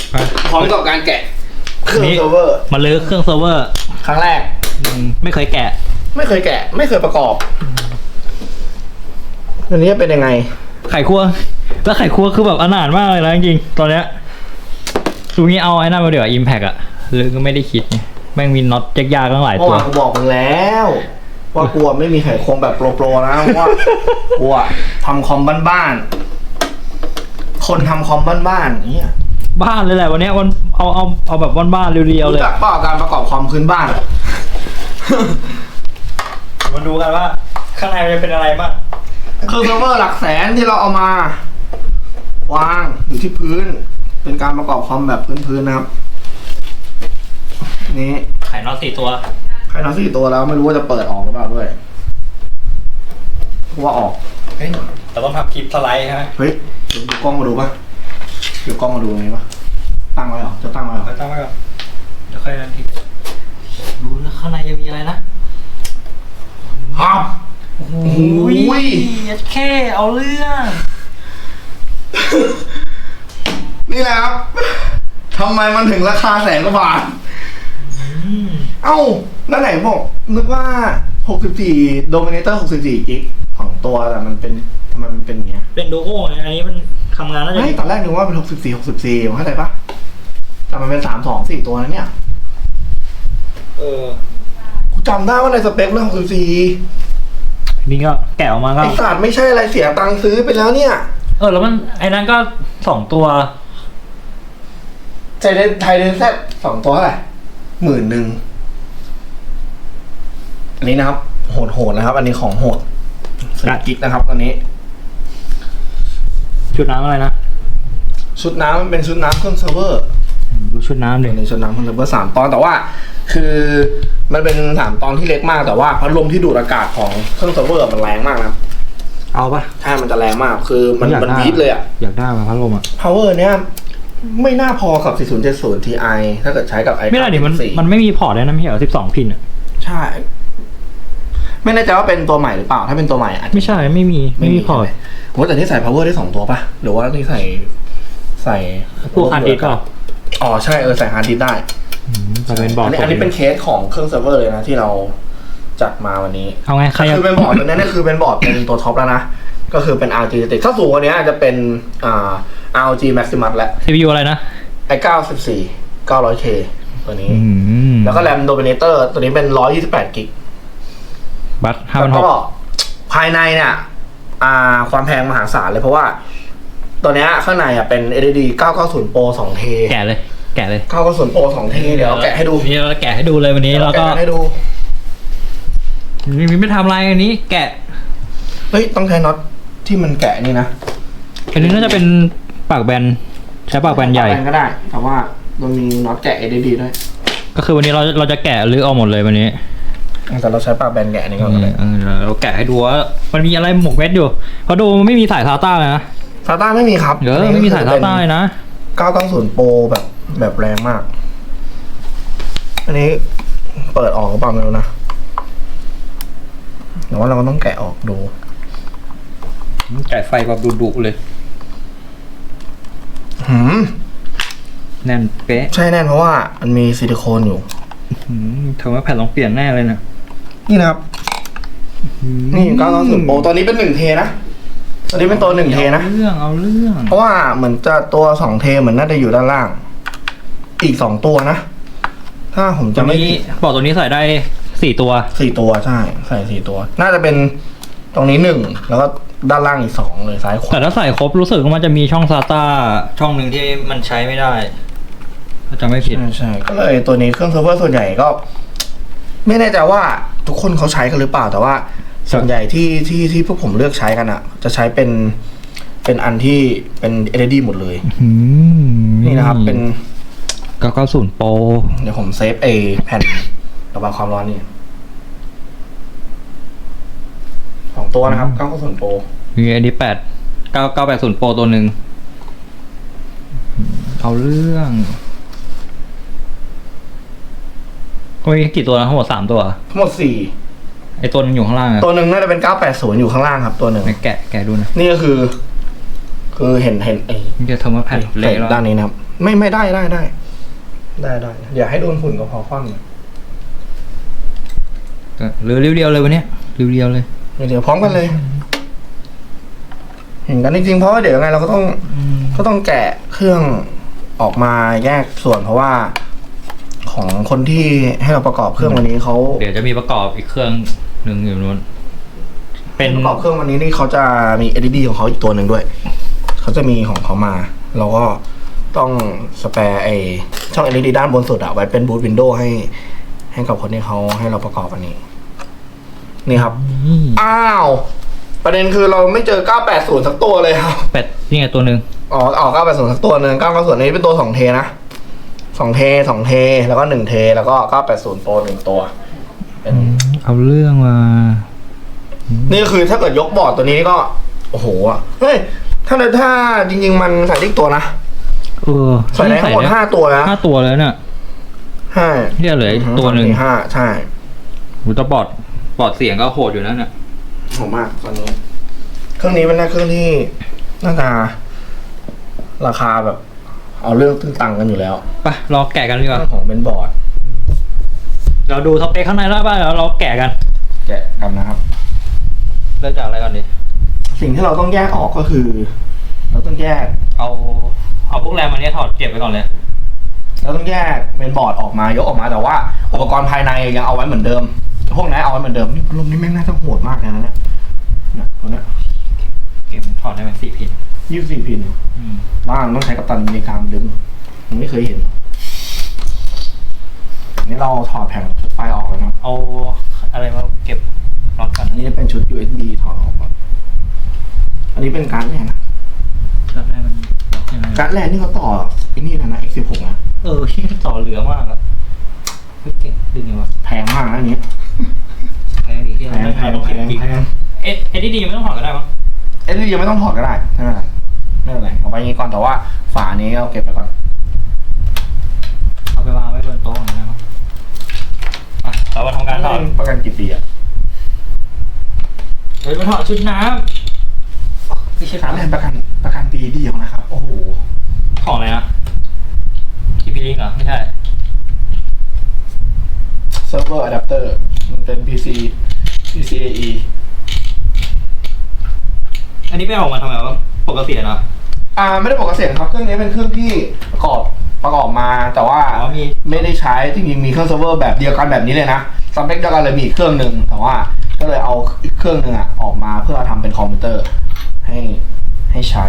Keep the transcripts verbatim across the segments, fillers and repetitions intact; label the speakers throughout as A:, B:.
A: พร้อมกับการแกะเครื่องเซิร์ฟเวอร์
B: มาลื้อเครื่องเซิร์ฟเวอร์
A: ครั้งแรก
B: ไม่เคยแกะ
A: ไม่เคยแกะไม่เคยประกอบอันนี้เป็นยังไง
B: ไข่คั่วแล้วไข่คั่วคือแบบอนาถมากเลยนะจริงๆตอนเนี้ยดูงี้เอาไอ้นั่นมาเดี๋ยวอิมแพกอะหรือก็ไม่ได้คิดไงแม่งมีน็อตยากๆตั้งหลายตัว
A: กูบอกมึงแล้วว่ากลัวไม่มีไข่ควงแบบโปรๆนะว่ากลัวทำคอมบ้านๆคนทำคอมบ้านๆเนี่ย
B: บ้านเลยแหละวันนี้วันเอาเอาเอาแบบบ้านๆเรียวๆเลย
A: รู้จักเปล่าการประกอบคอมพื้นบ้าน
B: มาดูกันว่าข้างในจะเป็นอะไรบ้าง
A: คือเซิร์ฟเวอร์หลักแสนที่เราเอามาวางอยู่ที่พื้นเป็นการประกอบคอมแบบพื้นๆนะครับนี่
B: ไข่น็อตสี่ตัว
A: ไข่น็อตสี่ตัวแล้วไม่รู้ว่าจะเปิดออกหรือเปล่าด้วยเพราะว่าออก
B: เฮ้ยแต่ต้องทำคลิปสไลด์ใช่ไหม
A: เฮ้ยเดี๋ยวดูกล้องมาดูป่ะเดี๋ยวกล้องมาดูตรงนี้ป่ะตั้งไว้เหรอจะตั้งไว้เหรอ
B: ตั้งไว้ก่อนเดี๋ยวค่อยนันทีดูแล้วข้างในจะมีอะไรนะครับโอ้ยแค่เอาเรื่อง
A: นี่แหละครับทำไมมันถึงราคาแสนกว่าบาทเอ้าแล้วไหนบอกนึกว่าหกสิบสี่ Dominator หกสิบสี่กิกของตัวแต่มันเป็นทำไมมันเป็นอย่างเงี้ย
B: เป็นโดโก้ไงอันนี้มันทำงานแล้วจะ
A: ไม่ตอนแรกนึกว่าเป็นหกสิบสี่ หกสิบสี่เข้าใจปะแต่มันเป็นสามสองสี่ตัวนะเนี่ย
B: เออ
A: กูจำได้ว่าในสเปคเรื่องหกสิบสี่
B: นี่ก็แกะออกมาก็
A: ไอศาสตร์ไม่ใช่อะไรเสียตังค์ซื้อไปแล้วเนี่ย
B: เออแล้วมันไอ้นั้นก็สองตัว
A: ไทเดนไทเดนแซดสองตัวเท่าไหร่หมื่นหนึ่งอันนี้นะครับโหดโหดนะครับอันนี้ของโหดสกิกนะครับตอนนี้
B: ชุดน้ำอะไรนะ
A: ชุดน้ำมันเป็นชุดน้ำเครื่องเซิร์ฟเวอร์
B: ดูชุดน้ำเลย
A: ในชุดน้ำเครื่องเซิร์ฟเวอร์สามตอนแต่ว่าคือมันเป็นสามตอนที่เล็กมากแต่ว่าพัดลมที่ดูดอากาศของเครื่องเซิร์ฟเวอร์มันแรงมากนะ
B: เอาปะ
A: ใช่มันจะแรงมากคือมันมันวีดเลยอ่ะ
B: อยากได้มาพัดลมอ่ะ
A: power เนี้ยไม่น่าพอกับสี่ศูนย์เจ็ดศูนย์ ที ไอ ถ้าเกิดใช้กับ ไอ
B: ไม่ได้ดิมันมันไม่มีพอร์ตเลยนะไม่ใช่เหรอสิบสองพินอ่ะ
A: ใช่ไม่แน่ใจว่าเป็นตัวใหม่หรือเปล่าถ้าเป็นตัวใหม่อาจจะ
B: ไม่ใช่ไม่มีไม่มีพอร์ต
A: โอ้แต่นี่ใส่ power ได้สองตัวป่ะหรือว่านี่ใส่ใส่
B: พวกฮาร์ดดิสก์ก็
A: อ๋อใช่เออใส่ฮาร์ดดิสก์ได้
B: แต่เป็นบอร์ด
A: อันนี้เป็นเคสของเครื่องเซิร์ฟเวอร์เลยนะที่เราจัดมาวันนี้
B: เอาไงใคร
A: คือเป็นบอร์ดตัวนี้นี่คือเป็นบอร์ดเป็นตัวท็อปแล้วนะก็คือเป็น อาร์ จี ติดถ้าสูงกว่านี้อาจจะเป็นอ่า อาร์ โอ จี Maximus แล้ว
B: ซี พี ยู อะไรนะ
A: ไอเก้าสิบสี่ เก้าร้อยเค ตัวนี้แล้วก็แรม Dominator ตัวนี้เป็นหนึ่งร้อยยี่สิบแปดกิก
B: บัตห้าพันหก
A: ภายในเนี่ยอ่าความแพงมหาศาลเลยเพราะว่าตัวนี้ข้างในอ่ะเป็น เอล อี ดี เก้าเก้าศูนย์ Pro สองเท
B: แกะเลยแกะเลย
A: เก้าเก้าศูนย์ Pro สองเทเดี๋ยวแกะให้ดู
B: นี่เราแกะให้ดูเลยวันนี้แล้วก็
A: ให้ดู
B: มีไม่ทำอะไรอันนี้แกะ
A: เฮ้ยต้องใช้น็อตที่มันแกะนี่นะ
B: อันนี้น่าจะเป็นปากแบนใช้ปากแบนใหญ่
A: ก็ได้แต่ว่ามันมีน็อตแกะ เอล อี ดี ด้วย
B: ก็คือวันนี้เราเราจะแกะหรือเอาหมดเลยวันนี้
A: แต่เราใช้ปากแบนแกะนี่ก็ได้
B: เราแกะให้ดูว่ามันมีอะไรหมกเม็ดอยู่เพราะดูมันไม่มีสายซาต้าเลยนะ
A: ซาต้าไม่มีครับ
B: เดี๋ยวไม่มีสายซาต้าเลยนะ
A: เก้าเก้าศูนย์ Pro แบบแบบแรงมากอันนี้เปิดออกหรือเปล่าไม่รู้นะแต่ว่าเราก็ต้องแกะออกดู
B: แกะไฟแบบดุๆเลย
A: หืม
B: แน่นเป๊ะ
A: ใช่แน่นเพราะว่ามันมีซิลิโคนอยู่
B: เธอว่าแผ่นลองเปลี่ยนแน่เลยนะ
A: นี่นะครับนี่เก้าเก้าศูนย์ Pro ตอนนี้เป็นหนึ่งเทนะตอนนี้เป็นตัวหนึ่งเทนะ
B: เอาเรื่องเอาเรื่อง
A: เพราะว่าเหมือนจะตัวสองเทเหมือนน่าจะอยู่ด้านล่างอีกสองตัวนะถ้าผมจะไม่
B: บอกตัวนี้ใส่ได้สี่ตัว
A: สี่ตัวใช่ใส่สี่ตัวน่าจะเป็นตรงนี้หนึ่งแล้วก็ด้านล่างอีกสองเลยซ้ายขวา
B: แต่ถ้าใส่ครบรู้สึกว่ามันจะมีช่องซาต้าช่องหนึ่งที่มันใช้ไม่ได้ถ้าจำไม่ผิด
A: ใช่ก็เลยตัวนี้เครื่องเซิร์ฟเวอร์ส่วนใหญ่ก็ ไม่แน่ใจว่าทุกคนเขาใช้กันหรือเปล่าแต่ว่าส่วนใหญ่ที่ที่ที่พวกผมเลือกใช้กันอ่ะจะใช้เป็นเป็นอันที่เป็น แอล อี ดี หมดเลยนี่นะครับเป็น
B: เก้าเก้าศูนย์ Pro
A: เดี๋ยวผมเซฟเอแผ่นระบายความร้อนนี่สองตัวนะครับเก้าเก้าศูนย์ Pro
B: มีอันนี้แปดเก้าเก้าแปดศูนย์ Pro ตัวหนึ่งเอาเรื่องก็มีกี่ตัวนะทั้งหมดสามตัว
A: ทั้งหมดสี่
B: ไอตัวนึงอยู่ข้างล่าง
A: ตัวหนึ่งน่าจะเป็นเก้าแปดศูนย์อยู่ข้างล่างครับตัวหนึ่ง
B: แกะแกะดูนะ
A: นี่ก็คือคือเห็นเห็นไอ้
B: จะทำมาแผ่นเละแล้ว
A: ด้านนี้นะครับไม่ไม่ได้ได้ได้ได้ได้อย่าให้โดนฝุ่นก็พอคว่ำหน่อย
B: หรือเรียวๆเลยวันเนี้ยเรียวๆเลย
A: เดี๋ยวพร้อมกันเลย เห็นกันจริงๆเพราะว่าเดี๋ยวยังไงเราก็ต้องก็ต้องแกะเครื่องออกมาแยกส่วนเพราะว่าของคนที่ให้เราประกอบเครื่องวันนี้เขา
B: เดี๋ยวจะมีประกอบอีกเครื่องหนึ่งอยู่นู้นเป็น
A: ประกอบเครื่องวันนี้นี่เขาจะมี แอล อี ดี ของเขาอีกตัวหนึ่งด้วยเขาจะมีของเขามาเราก็ต้องสแปร์ไอช่อง แอล อี ดี ด้านบนสุดอะไว้เป็นบูทวินโดว์ให้ ให้กับคนที่เขาให้เราประกอบอันนี้ นี่ครับ อ้าว ประเด็นคือเราไม่เจอเก้าแปดศูนย์สักตัวเลยครับ
B: แปดนี่ไงตัวหนึ่ง
A: อ๋อออกเก้าแปดศูนย์สักตัวหนึ่งเก้าเก้าศูนย์นี้เป็นตัวสองเทนะสองเทสองเทแล้วก็หนึ่งเทแล้วก็เก้าแปดศูนย์โปรหนึ่งตัวเป็น
B: เอาเรื่องมา
A: นี่คือถ้าเกิดยกบอร์ดตัวนี้ก็ โอ้โหอะเฮ้ย ถ้าถ้าจริงๆมันใส่ได้อีกตัวนะ
B: เออ
A: ใส่ได้ทั้งหมดห้าตัวนะ
B: ห้าตัวแล้วเนี่ย
A: ใช่
B: เนี่ยเหลืออีกตัวหนึ่ง
A: ห้าใช่
B: หูแตะบอดบอดเสียงก็โหดอยู่นะเนี่ย
A: หอมมากตอนนี้ เครื่องนี้เป็นเครื่องที่น่าจะราคาแบบ เอาเรื่องตึ้งตังกันอยู่แล้ว
B: ไปรอแกะกันดีกว่า
A: เรื่องของเบนบอร์ด
B: เราดูสเปคข้างในแล้วบ้างแล้วเราแกะกัน
A: แกะกันนะครับ
B: เริ่มจากอะไรก่อนดี
A: สิ่งที่เราต้องแยกออกก็คือ เราต้องแยก
B: เอาเอาพวกแรมอันนี้ถอดเก็บไว้ก่อนเลย
A: เราต้องแยกเมนบอร์ดออกมายกออกมาแต่ว่าอุปกรณ์ภายในยังเอาไว้เหมือนเดิม พวกนั้นเอาไว้เหมือนเดิมนี่พัดลมนี่แม่งน่าจะโหดมากเลยนะเนี่ยเนี่ยตัวเนี้ย
B: เก็บถอดได้ไหมสี่พิน
A: ยี่สิบสี่พิน
B: อืม
A: บ้านต้องใช้กัปตันอเมริกาดึงผมไม่เคยเห็นนี่เราถอดแผงไฟออกแล้วนะ
B: เอาอะไรมาเก็บล็อตก่อน
A: อันนี้จะเป็นชุด ยู เอส บี ถอดออกก่อนอันนี้เป็นการ์ดแรกนะ
B: ล็อตแรกมันล็อกยังไง
A: การ์ดแรกนี่เขาต่อไอ้นี่นะนะ เอ็กซ์ สิบหก นะ
B: เออที่ต่อเหลือมากอะเฮ้ยเก่งดึงยังวะ
A: แพงมากนะอันนี้
B: แพงดีที่
A: แพ
B: เรา
A: งแพง
B: ต้อง
A: แพ
B: เก็บ
A: ง
B: จริง
A: แพง
B: เอ๊ะเอ็ดดี้ไม่ต้องถอดก็ได้มั้ง
A: เอ็นดียังไม่ต้องถอดก็ได้ไม่เป็นไรไม่เป็นไรเอาไว้อย่างนี้ก่อนแต่ว่าฝานี้เอาเก็บไปก่อน
B: เอาไปวางไว้บนโต๊ะก่อนได้มั้งอ่ะเรามาทำการถอด
A: ประกันกี่ปีอ่ะ
B: เฮ้ยมาถอดชุดน้ำไม่ใช่
A: สามแผ่นประกันประกันปีเดียวนะครับ โอ้โห
B: ของอะไรนะทีพีลิงเหรอไม่ใช่
A: เซิร์ฟเวอร์อะแดปเตอร์มันเป็น พี ซี พี ซี เอ อี
B: อันนี้ไปออกมาทำไมวะปกติอะเนาะ
A: อ่าไม่ได้บอกเกษตรครับเครื่องนี้เป็นเครื่องที่ประกอบประกอบมาแต่ว่า
B: อ๋อมี
A: ไม่ได้ใช้จริงๆมีเครื่องเซิร์ฟเวอร์แบบเดียวกันแบบนี้เลยนะสเปคเดียวกันเลยมีอีกเครื่องหนึ่งแต่ว่าก็เลยเอาอีกเครื่องหนึ่งอ่ะออกมาเพื่อทำเป็นคอมพิวเตอร์ให้ให้ใช้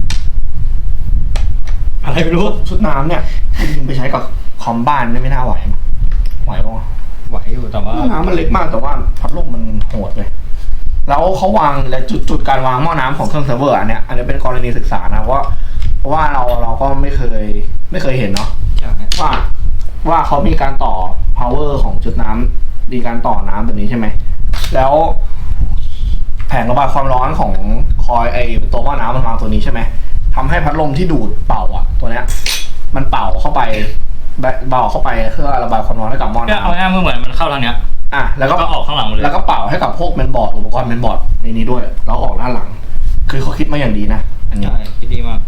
B: อะไรไม่รู้
A: ชุดน้ำเนี่ยจริงๆไปใช้กับคอมบ้านเนี่ยไม่น่าไหวมั้ยไหวปะวะ
B: ไหวอยู่แต่ว่า
A: หม้อน้ำมันเล็กมากแต่ว่าพัดลมมันโหดเลยแล้วเขาวางและจุดจุดการวางหม้อน้ำของเครื่องเซิร์ฟเวอร์อันเนี้ยอันนี้เป็นกรณีศึกษานะเพราะว่าเพราะว่าเราเราก็ไม่เคยไม่เคยเห็นเนาะ
B: ใช่
A: ว่าว่าเขามีการต่อ power ของจุดน้ำมีการต่อน้ำแบบนี้ใช่ไหมแล้วแผงระบายความร้อนของคอยไอตัวหม้อน้ำมันวางตัวนี้ใช่ไหมทำให้พัดลมที่ดูดเป่าอ่ะ ตัวเนี้ย มันเป่าเข้าไปเป่าเข้าไปเพื่อระบายความร้อนให้กับหม้อ
B: ก็เอา
A: น้ำ
B: ง่ายๆเหมือนมันเข้าทางเนี้ย
A: อ่ะแล้วก็
B: ก็ออกข้างหลังหมดเลย
A: แล้วก็เป่าให้กับพวกเมนบอร์ดอุปกรณ์เมนบอร์ดในนี้ด้วยแล้วออกด้านหลัง คือเขาคิดมาอย่างดีนะอันนี้
B: ใช่คิดดีมาก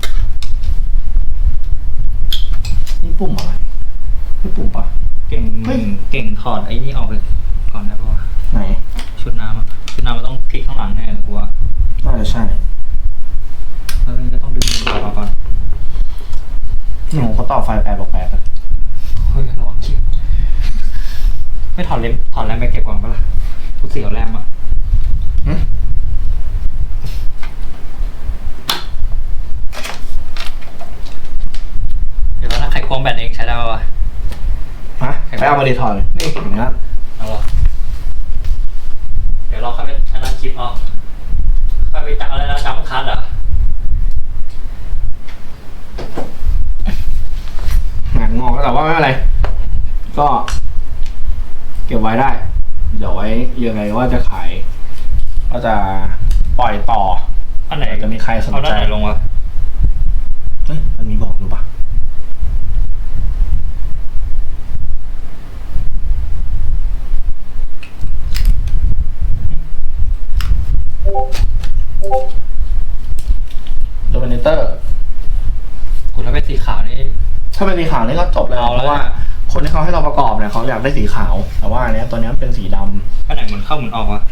A: นี่ปุ่มอะไรนี่ปุ่มปะ
B: เก่ง
A: เฮ้ย
B: เก่งถอดไอ้นี่ออกไปก่อนได้ปะวะ
A: ไหน
B: ชุดน้ำอะชุดน้ำมันต้องพลิกข้างหลังแน่เลยกูว่า
A: น่าจะใช่
B: แล้วมันก็ต้องดึงมันออกก่อน
A: หนูเขาต่อไฟแปดบอกแปด
B: เฮ้ยระวังคิดไม่ถอดเล็มถอดแรมไปเก็บก่อนปะล่ะกูเสียวแรมอะเดี๋ยวถ้าไขควงแบตเองใช้ได้ปะวะ
A: ฮะไปเอามาดีถอดเลยนี่อย่างนั้น
B: เอาวะเดี๋ยวเราค่อยไปอันนั้นคลิปเอาค่อยไปจับอะไรนะจับคัทเหรอ
A: งานงอกแต่ว่าไม่เป็นไร ก็ เก็บไว้ได้ เดี๋ยวไว้ยังไงว่าจะขาย ก็จะปล่อยต่อ
B: อันไหน
A: จะมีใครสน
B: เอาด้า
A: ใจ
B: นไหนลงวะ
A: เฮ้ยมันมีบอกอยู่ปะโดมิเนเตอร์
B: กูถ้าเป็นสีขาวนี่
A: ถ้าเป็นสีขาวนี่ก็จบเลย
B: เอา
A: เพ
B: แล้ว
A: ราะว่าคนที่เขาให้เราประกอบเนี่ยเขาอยากได้สีขาว แต่ว่าอันเนี้ยตัวเนี้ยเป็นสีดำ
B: อันไหนหมุนเข้าหมุนออกวะ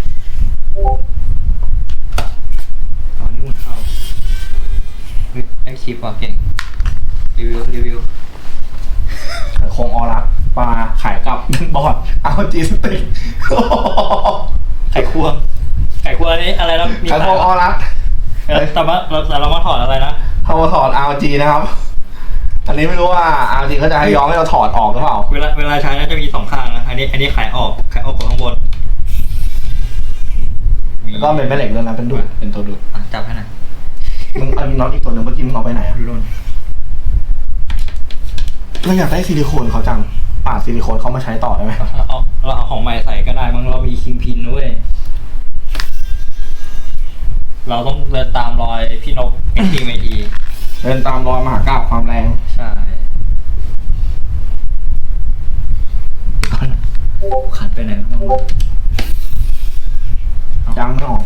B: อ๋อนี่หมุนเข้าเฮ้ยไอชิปว่ะเก่งรีวิวรีวิว
A: โครงออรักปลาขายกับบอร์ดเอาจีสติก
B: ไข่ควงไข่ควงอันนี้อะไรนะมี
A: ขายโครงออรัก
B: เออแต่ว่าเราแต่เรามาถอดอะไรนะ
A: เขามาถอด อาร์ จี นะครับ อันนี้ไม่รู้ว่า อาร์ จี เขาจะให้ย้อมให้เราถอดออกหรือเปล่า
B: เวลาเวลาใช้น่าจะมีสองข้างนะอันนี้อันนี้ไขออกไขออกของข้างบน
A: แล้วก็เป็นแม่เหล็กด้วยนะเป็นดูดเป็นตัวดูด
B: อ่ะจับให้หน่อย
A: มึงเอาน็อตอีกตัวหนึ่งเมื่อกี้มึงเอาไปไหนอ่ะ
B: ดูรุ่น
A: เราอยากได้ซิลิโคนเขาจังปาดซิลิโคนเขามาใช้ต่อได้ไหม
B: เราเอาเราเอาของใหม่ใส่ก็ได้มั้งเรามีคิงพินด้วยเราต้องเดินตามรอยพี่นกเอ็กซ์ทีเมที
A: เดินตามรอยมหากาพย์ความแรง
B: ใช่ขัดไปไหนบ้างวะ
A: ยังไม่ออก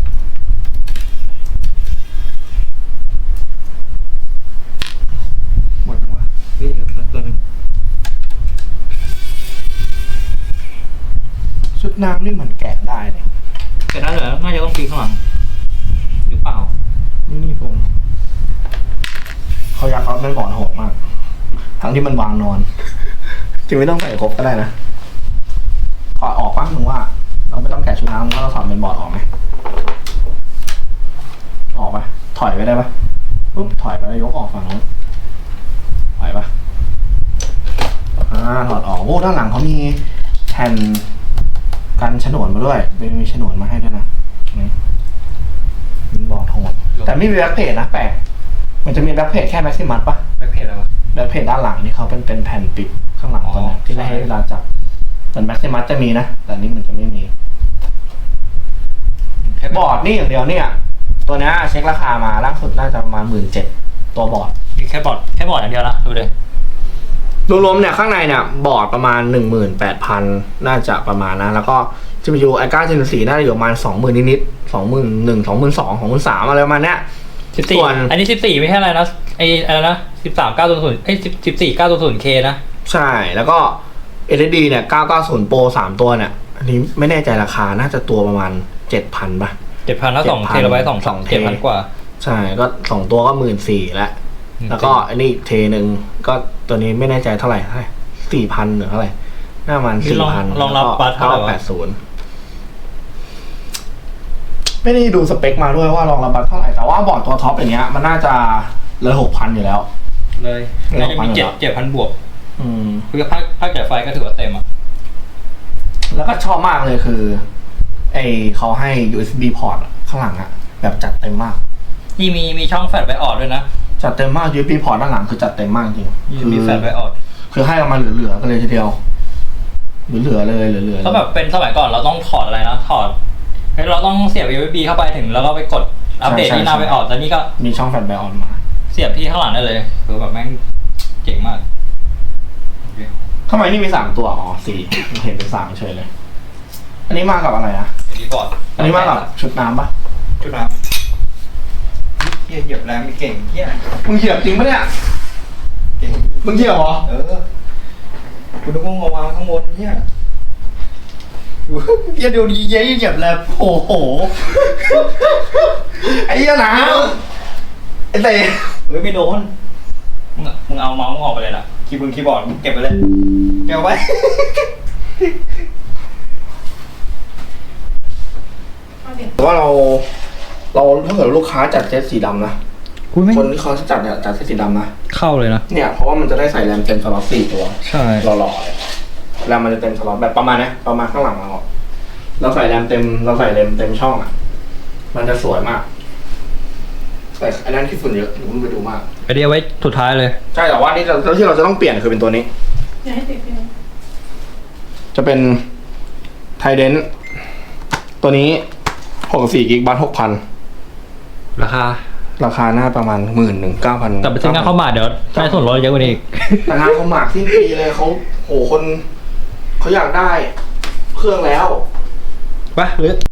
A: หมดแล้ววะ
B: เฮ้ยเดี๋ยวตัวนึง
A: ชุดน้ำนี่เหมือนแกะได้เลย
B: แต่ได้เหรอน่าจะต้องปีนข้างหลังหรือเปล่า
A: นี่นี่ผมเขาอยากเอาเป็นบอร์ดโหดมาก ทั้งที่มันวางนอนจริงไม่ต้องใส่ครบก็ได้นะถอดออกบ้างมึงว่า เราไม่ต้องแกะชุดน้ำแล้วเราถอดเป็นบอร์ดออกไหมออกปะถอยไปได้ปะปุ๊บถอยไปแล้วยกออกฝั่งนู้นถอยปะอ่าถอดออกโอ้ด้านหลังเขามีแผ่นกันฉนวนมาด้วยเป็นมีฉนวนมาให้ด้วยนะนี่เป็นบอร์ดโหดแต่ไม่มีแบ็คเพจนะแปลกมันจะมีแบ็คเพจแค่แม็กซิมัสปะ
B: แบ็คเพจอะไรวะ
A: แบ็คเพจด้านหลังนี่เขาเป็นเป็นแผ่นปิดข้างหลังตัวเนี้ย
B: อ๋อ
A: ที่ไม่ให้เวลาจับส่วนแม็กซิมัสจะมีนะ แต่นี่มันจะไม่มี
B: แค่
A: บอร์ดนี่อย่างเดียวเนี่ย ตัวเนี้ยเช็คราคามาล่าสุดน่าจะประมาณหมื่นเจ็ดตัวบอร์ด
B: มีแค่บอร์ดแค่บอร์ดอย่างเดียวนะดูเลย
A: รวมๆเนี่ยข้างในเนี่ยบอร์ดประมาณหนึ่งหมื่นแปดพันน่าจะประมาณนะ แล้วก็ จี พี ยู ไอ เก้า Gen สี่น่าจะอยู่ประมาณสองหมื่นนิดๆสองหมื่นหนึ่งสองหมื่นสองสองหมื่นสามอะไรประมาณเนี้ย
B: สิบสี่
A: ส่วน
B: อันนี้สิบสี่ไม่ใช่อะไรนะไออะไรนะสิบสามเก้าศูนย์ศูนย์เอ้ยสิบสิบสี่เก้าศูนย์ศูนย์เคนะ
A: ใช่แล้วก็ เอล อี ดี เนี่ยเก้าเก้าศูนย์ Pro สามตัวเนี่ยอันนี้ไม่แน่ใจราคาน่าจะตัวประมาณเจ็ดพันป่ะ
B: เจ็ดพันแล้วสอง
A: เจ็ดพั
B: เท
A: น
B: ราไบต์สอง
A: สองเท
B: เจ็ดพันกว่า
A: ใช่ก็สองตัวก็หมื่นสี่แล้ว แล้วก็อันนี้อีกเทหนึ่งก็ตัวนี้ไม่แน่ใจเท่าไหร่เท่าไหร่สี่พันหรือเท่าไหร่น่ามัน
B: นี่
A: สี่
B: ลอง
A: พัน
B: ลองรับบัตรเท่าไหร่วะ
A: แปดศูนย์ไม่ได้ดูสเปคมาด้วยว่ารองรับบัตรเท่าไหร่ แต่ว่าบอร์ดตัวท็อปอย่างเงี้ยมันน่าจะเลยหกพันอยู่แล้ว
B: เลย
A: ไม่
B: น่าจะมี
A: หกพัน
B: เจ็ด
A: เหรอ
B: เจ็ดพันบวก
A: อืม
B: คือภาคภาคจ่ายไฟก็ถือว่าเต็มอ่ะ
A: แล้วก็ชอบมากเลยคือ ไอเขาให้ ยู เอส บี พอร์ตข้างหลังอะแบบจัดเต็มมาก
B: นี่มีมีช่องแฟลชไบออดด้วยนะ
A: จัดเต็มมาก ยู เอส บี พอร์ตด้านหลังคือจัดเต็มมากจริง
B: มี
A: คื
B: มีแฟลชไบออด
A: คือให้เรามาเหลือๆกันเลยทีเดียวเหลือๆเลยเหลือๆ
B: ถ้าแบบเป็นสมัยก่อนเราต้องถอดอะไรนะถอดเฮ้ยเราต้องเสียบ ยู เอส บี เข้าไปถึงแล้วก็ไปกดอัปเดตที่หน้าไบออดแต่นี่ก็
A: มีช่องแฟลชไบออนมา
B: เสียบที่ข้างหลังได้เลยคือแบบแม่งเจ๋งมาก
A: ทำไมนี่มีสามตัว อ๋อสี่เห็นเป็นสามเฉยเลย อันนี้มากับอะไรนะ
B: อันนี้บอร์ด
A: อันนี้มากับชุดน้ำปะ
B: ชุดน้ำเฮียเหยียบแรงไม่เก่งเฮีย
A: มึงเหยียบจริงปะเนี่ย
B: เก่ง
A: มึงเหยียบเหรอ
B: เออคุณนึกว่ามาวางข้างบนเฮียเฮียเดี๋ยวดีเย้เหยียบแรงโอ้โห
A: ไอ้เหี้ยน้ำไอ้เต๋
B: เฮ้ยไม่โดนมึงอะมึงเอาเมาส์มึงออกไปเลยล่ะคีย์บอร์ดคีย์บอร์ดมึงเก็บไปเลยเก็บเอาไว้
A: แต่ว่าเรา เราถ้าเกิดลูกค้าจัดเซตสีดำนะ
B: คุณไม่
A: คนที่เขาจัดเนี่ยจัดเซตสีดำนะ
B: เข้าเลยนะ
A: เนี่ยเพราะว่ามันจะได้ใส่แรมเต็มสล็อตสี่ตัว
B: ใช่
A: หล่อๆเลยแรมมันจะเต็มสล็อตแบบประมาณเนี้ยประมาณข้างหลังเราเราใส่แรมเต็มเราใส่แรมเต็มช่องอ่ะ มันจะสวยมาก แต่อันนั้นที่ฝุ่นเยอะหนูเพิ่งไปดูมาก
B: ไอเดียไว้สุดท้ายเลย
A: ใช่แต่ว่านี่เราที่เราจะต้องเปลี่ยนคือเป็นตัวนี้
C: อย่าให้ติดเลย
A: จะเป็นไทเดนตัวนี้หกสี่กิกบัตหกพัน
B: ราคา
A: ราคาหน้าประมาณหมื่นหนึ่งเก้าพัน
B: แต่ไปซื้องานเข้ามาเดี๋ยวได้ส่วนลดเยอะกว่านี้อีก
A: แต่งานเขาหมากสิ้นปีเลยเขาโหคนเขาอยากได้เครื่องแล้ว
B: ไปหรือ